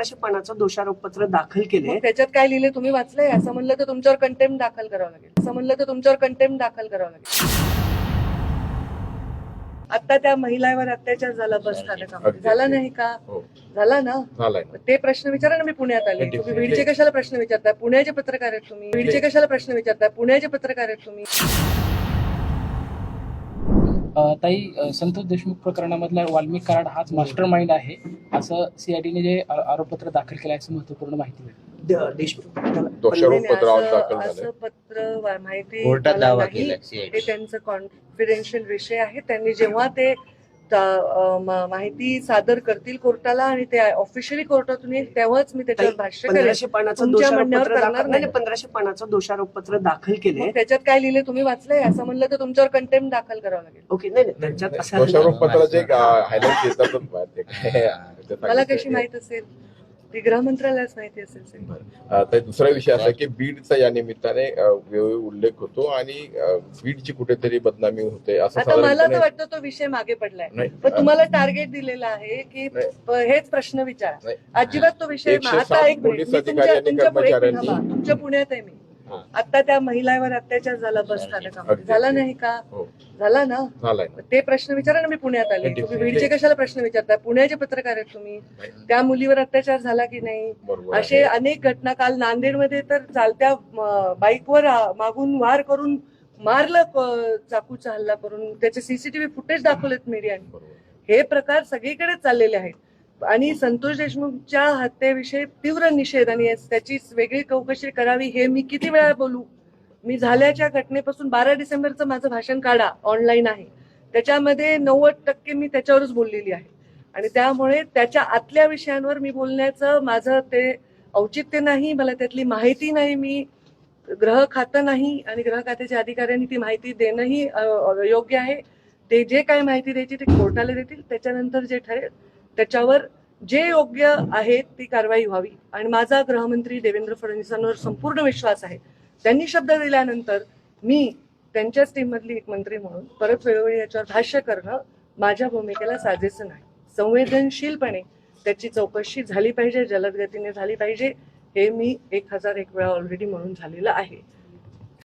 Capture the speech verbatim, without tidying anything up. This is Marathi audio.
पंधराशे पानाचं दोषारोपपत्र दाखल केले. त्याच्यात काय लिहिले तुम्ही वाचलंय? असं म्हणलं तर तुमच्यावर कंटेम्प्ट दाखल करावं लागेल. असं म्हणलं तर तुमच्यावर कंटेम्प्ट दाखल करावं लागेल. आता त्या महिलावर अत्याचार झाला बस स्थानकामध्ये, झाला नाही का? झाला ना? ते प्रश्न विचारा ना. मी पुण्यात आले. तुम्ही बीडचे कशाला प्रश्न विचारताय? पुण्याचे पत्रकार आहेत तुम्ही. बीडचे कशाला प्रश्न विचारताय? पुण्याचे पत्रकार आहेत तुम्ही. ताई, संतोष देशमुख प्रकरणामधला वाल्मिक कराड हाच मास्टर माइंड आहे असं सीआयडीने जे आरोपपत्र दाखल केलं असं महत्वपूर्ण माहिती मिळाली. देशमुख असं पत्र माहिती नाही, ते त्यांचं कॉन्फिडेन्शियल विषय आहे. त्यांनी जेव्हा ते माहिती सादर करतील कोर्टाला आणि ते ऑफिशियली कोर्टातून येईल तेव्हाच मी त्याच्यावर भाष्य करेन. पंधराशे पानाचं दोषारोपपत्र दाखल नाही पंधराशे पानाचं दोषारोपपत्र दाखल केले. त्याच्यात काय लिहिले तुम्ही वाचलंय? असं म्हणलं तर तुमच्यावर कंटेम्प्ट दाखल करावं लागेल. ओके, नाही नाही, त्याच्यात मला कशी माहित असेल? ती गृहमंत्रालयाच माहिती असेल. तर दुसरा विषय असा की बीडचा या निमित्ताने उल्लेख होतो आणि बीडची कुठेतरी बदनामी होते असं. आता मला तर वाटतं तो विषय मागे पडलाय, पण तुम्हाला टार्गेट दिलेला आहे की हेच प्रश्न विचारा. अजिबात तो विषय. आता एक तुमच्या पुण्यात आहे मी. आता त्या महिलावर अत्याचार झाला बस स्थानकामध्ये, झाला नाही का? झाला ना? ते प्रश्न विचारा ना. मी पुण्यात आले. तुम्ही बीडचे कशाला प्रश्न विचारताय? पुण्याचे पत्रकार आहेत तुम्ही. त्या मुलीवर अत्याचार झाला की नाही? असे अनेक घटना. काल नांदेडमध्ये तर चालत्या बाईकवर मागून वार करून मारलं, चाकूचा हल्ला करून. त्याचे सीसीटीव्ही फुटेज दाखवलेत मीडियाने. हे प्रकार सगळीकडे चाललेले आहेत आणि संतोष देशमुखच्या हत्येविषयी तीव्र निषेध आणि त्याची वेगळी चौकशी करावी हे मी किती वेळा बोलू. मी झाल्याच्या घटनेपासून बारा डिसेंबरचं माझं भाषण काढा, ऑनलाईन आहे. त्याच्यामध्ये नव्वद टक्के मी त्याच्यावरच बोललेली आहे आणि त्यामुळे त्याच्या आतल्या विषयांवर मी बोलण्याचं माझं ते औचित्य नाही. मला त्यातली माहिती नाही. मी गृह खातं नाही आणि गृह खात्याच्या अधिकाऱ्यांनी ती माहिती देणंही योग्य आहे. ते जे काय माहिती द्यायची ते कोर्टाला देतील. त्याच्यानंतर जे ठरेल त्याच्यावर जे योग्य आहे ती कारवाई व्हावी आणि माझा गृहमंत्री देवेंद्र फडणवीसांवर संपूर्ण विश्वास आहे. त्यांनी शब्द दिल्यानंतर मी त्यांच्याच टीम मधली एक मंत्री म्हणून परत वेळोवेळी याच्यावर भाष्य करणं माझ्या भूमिकेला साजेसं नाही. संवेदनशीलपणे त्याची चौकशी झाली पाहिजे, जलद गतीने झाली पाहिजे. हे मी एक हजार एक वेळा ऑलरेडी म्हणून झालेलं आहे.